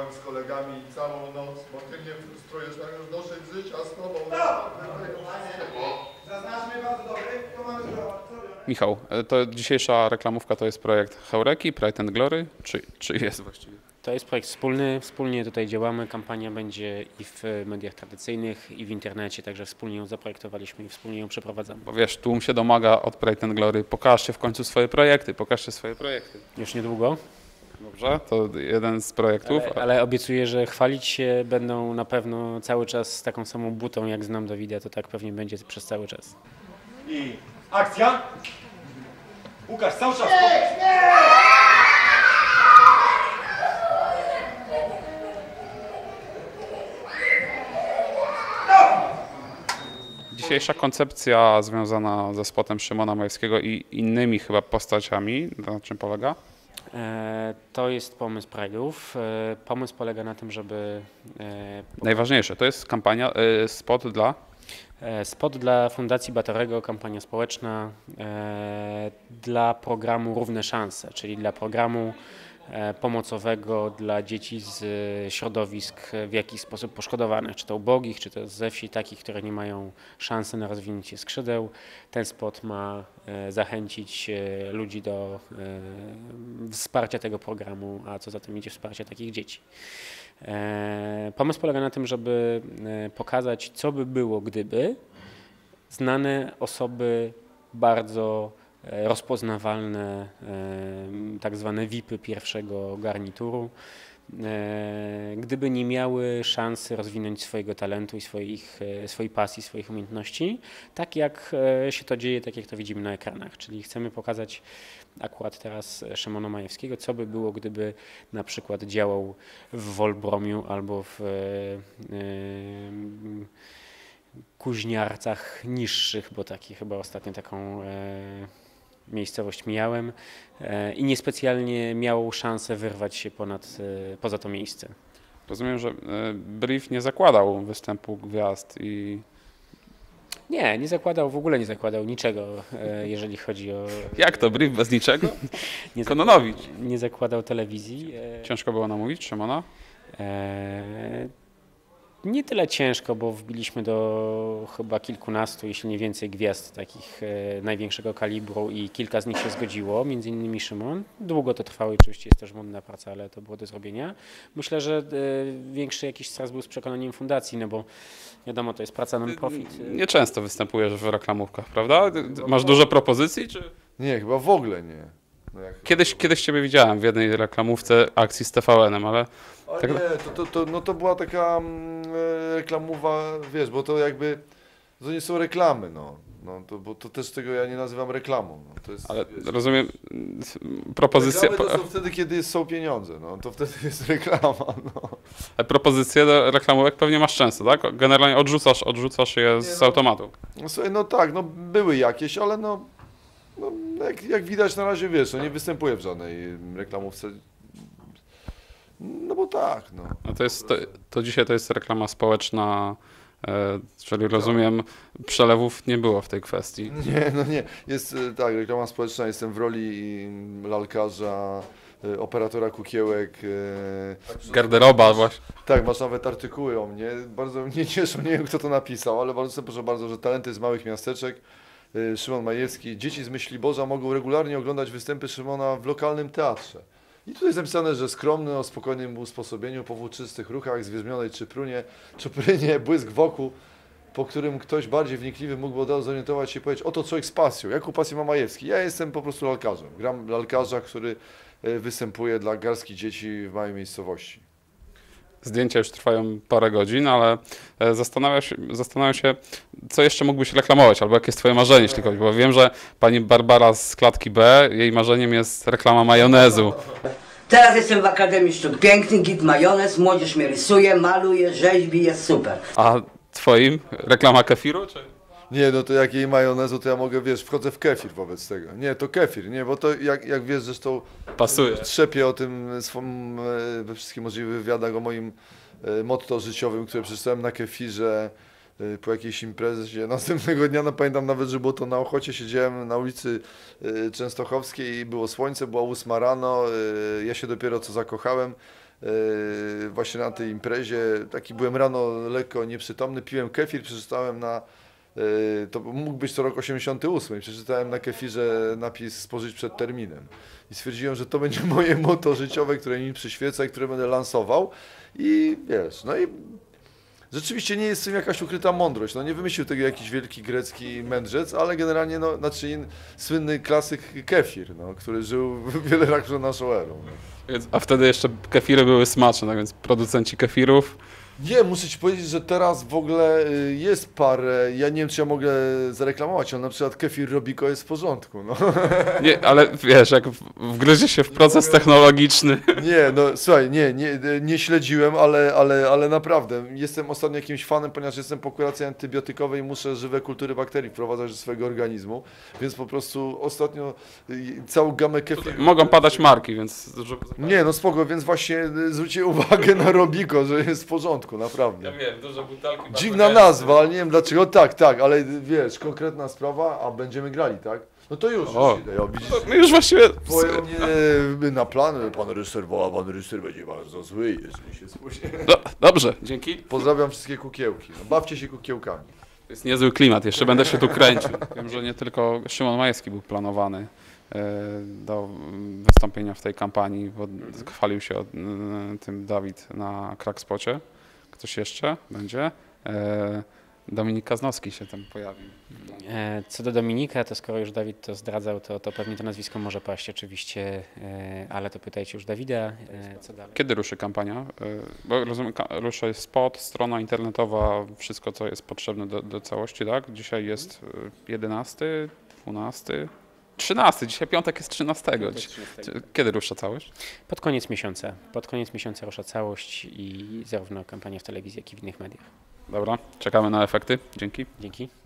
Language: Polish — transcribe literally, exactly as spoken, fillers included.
Pracowałem z kolegami całą noc, bo ty mnie frustrujesz, tak już dosyć życia z tobą. Zaznaczmy bardzo dobry, to mamy zrobić. Michał, to dzisiejsza reklamówka to jest projekt Heureki, Pride and Glory, czy, czy jest właściwie? To jest projekt wspólny, wspólnie tutaj działamy, kampania będzie i w mediach tradycyjnych, i w internecie, także wspólnie ją zaprojektowaliśmy i wspólnie ją przeprowadzamy. Bo wiesz, tłum się domaga od Pride and Glory, pokażcie w końcu swoje projekty, pokażcie swoje projekty. Już niedługo, Dobrze, to jeden z projektów. ale, ale obiecuję, że chwalić się będą na pewno cały czas z taką samą butą, jak znam Dawida, to tak pewnie będzie przez cały czas. I akcja! Łukasz, cały czas! Dzisiejsza koncepcja związana ze spotem Szymona Majewskiego i innymi chyba postaciami, na czym polega? E, To jest pomysł Pride'ów. E, Pomysł polega na tym, żeby e, Najważniejsze, to jest kampania, y, spot dla... E, Spot dla Fundacji Batorego, kampania społeczna e, dla programu Równe Szanse, czyli dla programu e, pomocowego dla dzieci z e, środowisk w jakiś sposób poszkodowanych, czy to ubogich, czy to ze wsi, takich, które nie mają szansy na rozwinięcie skrzydeł. Ten spot ma e, zachęcić e, ludzi do e, wsparcia tego programu, a co za tym idzie wsparcia takich dzieci. E, Pomysł polega na tym, żeby e, pokazać, co by było, gdyby znane osoby bardzo e, rozpoznawalne, e, tak zwane V I P y pierwszego garnituru, e, gdyby nie miały szansy rozwinąć swojego talentu i swoich, e, swojej pasji, swoich umiejętności, tak jak e, się to dzieje, tak jak to widzimy na ekranach. Czyli chcemy pokazać akurat teraz Szymona Majewskiego, co by było, gdyby na przykład działał w Wolbromiu albo w e, e, Kuźniarcach niższych, bo taki chyba ostatnio taką e, miejscowość mijałem e, i niespecjalnie miał szansę wyrwać się ponad, e, poza to miejsce. Rozumiem, że y, brief nie zakładał występu gwiazd i... Nie, nie zakładał, w ogóle nie zakładał niczego, e, jeżeli chodzi o... Jak to, brief bez niczego? Nie Kononowicz. Nie zakładał telewizji. E, Ciężko było namówić Szymona? e, Nie tyle ciężko, bo wbiliśmy do chyba kilkunastu, jeśli nie więcej gwiazd takich e, największego kalibru i kilka z nich się zgodziło, między innymi Szymon. Długo to trwało i oczywiście jest też mądna praca, ale to było do zrobienia. Myślę, że e, większy jakiś stres był z przekonaniem fundacji, no bo wiadomo, to jest praca non-profit. Nieczęsto występujesz w reklamówkach, prawda? Masz dużo propozycji, czy... Nie, chyba w ogóle nie. No jak... Kiedyś, kiedyś Ciebie widziałem w jednej reklamówce akcji z T V N-em, ale... Ale tak... nie, to, to, to, no to była taka mm, reklamowa, wiesz, bo to jakby, to nie są reklamy, no. No to, bo to też tego ja nie nazywam reklamą. No. To jest, Ale wiesz, rozumiem, propozycje, reklamy to są wtedy, kiedy są pieniądze, no. To wtedy jest reklama, no. propozycje do reklamówek pewnie masz często, tak? Generalnie odrzucasz, odrzucasz je z no. automatu. No, słuchaj, no tak, no były jakieś, ale no, no jak, jak widać na razie, wiesz, no nie występuję w żadnej reklamówce. No bo tak, no. No to, jest, to, to dzisiaj to jest reklama społeczna, e, czyli rozumiem, przelewów nie było w tej kwestii. Nie, no nie. Jest e, tak, reklama społeczna, jestem w roli mm, lalkarza, e, operatora kukiełek. E, Garderoba właśnie. tak, masz nawet artykuły o mnie. Bardzo mnie cieszą, nie wiem kto to napisał, ale bardzo proszę bardzo, że talenty z małych miasteczek. E, Szymon Majewski. Dzieci z Myśliborza mogą regularnie oglądać występy Szymona w lokalnym teatrze. I tu jest napisane, że skromny, o spokojnym usposobieniu, po włóczystych ruchach, zwierzmionej czyprunie, czuprynie, błysk wokół, po którym ktoś bardziej wnikliwy mógłby od razu zorientować się i powiedzieć, oto człowiek z pasją. Jaką pasję ma Majewski? Ja jestem po prostu lalkarzem. Gram lalkarza, który występuje dla garstki dzieci w małej miejscowości. Zdjęcia już trwają parę godzin, ale zastanawiam się, zastanawiam się, co jeszcze mógłbyś reklamować, albo jakie jest twoje marzenie, jeśli chodzi, bo wiem, że pani Barbara z klatki B, jej marzeniem jest reklama majonezu. Teraz jestem w Akademii Sztuk Pięknych, git majonez, młodzież mnie rysuje, maluje, rzeźbi, jest super. A twoim? Reklama kefiru, czy? Nie, no to jak jej majonezu, to ja mogę, wiesz, wchodzę w kefir wobec tego. Nie, to kefir, nie, bo to jak, jak wiesz, zresztą Pasuje. Trzepię o tym swym, we wszystkich możliwych wywiadach o moim motto życiowym, które przeczytałem na kefirze po jakiejś imprezie. Następnego dnia, no pamiętam nawet, że było to na Ochocie, siedziałem na ulicy Częstochowskiej i było słońce, była ósma rano, ja się dopiero co zakochałem yy, właśnie na tej imprezie. Taki byłem rano lekko nieprzytomny, piłem kefir, przeczytałem na, yy, to mógł być to rok osiemdziesiąty ósmy, przeczytałem na kefirze napis spożyć przed terminem. I stwierdziłem, że to będzie moje motto życiowe, które mi przyświeca i które będę lansował. I wiesz, no i rzeczywiście nie jest w tym jakaś ukryta mądrość. No nie wymyślił tego jakiś wielki grecki mędrzec, ale generalnie no, znaczy in, słynny klasyk kefir, no, który żył wiele lat przed naszą erą. No. Więc- A wtedy jeszcze kefiry były smaczne, tak więc producenci kefirów. Nie, muszę Ci powiedzieć, że teraz w ogóle y, jest parę, ja nie wiem, czy ja mogę zareklamować, ale na przykład kefir Robico jest w porządku, no. Nie, ale wiesz, jak w- wgryzie się w proces technologiczny. Nie, no słuchaj, nie, nie, nie śledziłem, ale, ale, ale naprawdę jestem ostatnio jakimś fanem, ponieważ jestem po kuracji antybiotykowej i muszę żywe kultury bakterii wprowadzać do swojego organizmu, więc po prostu ostatnio y, całą gamę kefir... Mogą padać marki, więc... żeby- Nie, no spoko, więc właśnie y, zwróćcie uwagę na Robico, że jest w porządku, naprawdę. Ja wiem, duże butelki. Dziwna nazwa, ale nie wiem dlaczego, tak, tak, ale wiesz, konkretna sprawa, a będziemy grali, tak? No to już, O. już idę, ja, widzisz, My już właściwie... twoje mnie na plan, pan reżyser woła, pan reżyser będzie bardzo zły, jeżeli się spóźni. Do, dobrze, dzięki. Pozdrawiam wszystkie kukiełki, no, bawcie się kukiełkami. To jest niezły klimat, jeszcze będę się tu kręcił. Wiem, że nie tylko Szymon Majewski był planowany e, do wystąpienia w tej kampanii, bo chwalił się o, e, tym Dawid na Crackspocie. Ktoś jeszcze będzie? E, Dominik Kaznowski się tam pojawił. E, Co do Dominika, to skoro już Dawid to zdradzał, to, to pewnie to nazwisko może paść oczywiście, e, ale to pytajcie już Dawida, e, co dalej. Kiedy ruszy kampania? E, Bo rozumiem, ka- ruszy spot, strona internetowa, wszystko co jest potrzebne do, do całości, tak? Dzisiaj jest e, jedenasty, dwunasty, trzynasty, dzisiaj piątek jest trzynastego. Dzi- Kiedy rusza całość? Pod koniec miesiąca. Pod koniec miesiąca rusza całość i zarówno kampania w telewizji, jak i w innych mediach. Dobra, czekamy na efekty. Dzięki. Dzięki.